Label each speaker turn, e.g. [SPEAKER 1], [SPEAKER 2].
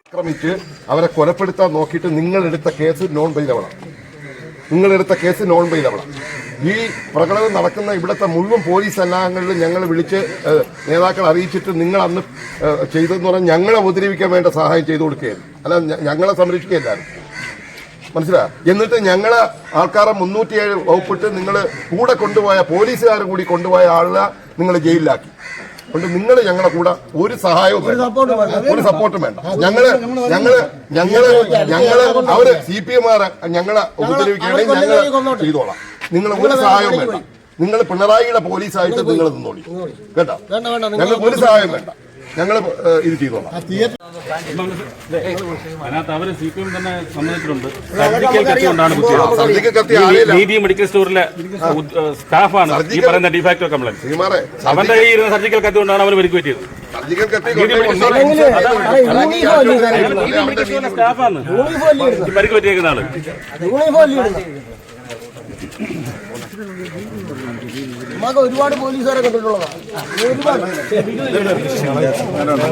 [SPEAKER 1] ആക്രമിച്ച് അവരെ കൊലപ്പെടുത്താൻ നോക്കിയിട്ട് നിങ്ങളെടുത്ത കേസ് നോൺ ബെയിലബിളാണ്. ഈ പ്രകടനം നടക്കുന്ന ഇവിടുത്തെ മുഴുവൻ പോലീസ് സന്നാഹങ്ങളിലും ഞങ്ങൾ വിളിച്ച് നേതാക്കൾ അറിയിച്ചിട്ട് നിങ്ങൾ അന്ന് ചെയ്തതെന്ന് പറഞ്ഞാൽ ഞങ്ങളെ ഉപദ്രവിക്കാൻ വേണ്ട സഹായം ചെയ്തു കൊടുക്കുകയായിരുന്നു, അല്ല ഞങ്ങളെ സംരക്ഷിക്കുകയല്ലായിരുന്നു. മനസ്സിലായി? എന്നിട്ട് ഞങ്ങളെ ആൾക്കാരെ 307 വകുപ്പിട്ട് നിങ്ങൾ കൂടെ കൊണ്ടുപോയ പോലീസുകാർ കൂടി കൊണ്ടുപോയ ആളെ നിങ്ങൾ ജയിലിലാക്കി. അതുകൊണ്ട് നിങ്ങൾ ഞങ്ങളുടെ കൂടെ ഒരു സഹായവും ഒരു സപ്പോർട്ടും വേണ്ട. ഞങ്ങള് അവര് CPM ഞങ്ങളെ ഉപദ്രവിക്കുകയാണെങ്കിൽ ഞങ്ങൾ ചെയ്തോളാം. നിങ്ങൾ ഒരു സഹായവും വേണ്ട. നിങ്ങൾ പിണറായിയുടെ പോലീസായിട്ട് നിങ്ങൾ നിന്നോളി കേട്ടോ. ഞങ്ങൾക്ക് ഒരു സഹായം വേണ്ട. ഞങ്ങൾ ഇത് ചെയ്തോളാം.
[SPEAKER 2] അതിനകത്ത് അവര് CPM തന്നെ സമ്മതിച്ചിട്ടുണ്ട്. സർജിക്കൽ കത്തി കൊണ്ടാണ് നീതി മെഡിക്കൽ സ്റ്റോറിലെ സ്റ്റാഫാണ് ഈ പറയുന്ന ഡിഫാക്ടോ കംപ്ലൈന്റ്. അവന്റെ ഈ ഇരുന്ന സർജിക്കൽ കത്തി കൊണ്ടാണ് അവർ പരിക്ക് പറ്റിയത്. സ്റ്റാഫാണ് പരിക്ക് പറ്റിയേക്കുന്ന ആള്.
[SPEAKER 3] ഒരുപാട് പോലീസുകാരെ കണ്ടിട്ടുള്ളതാണ്.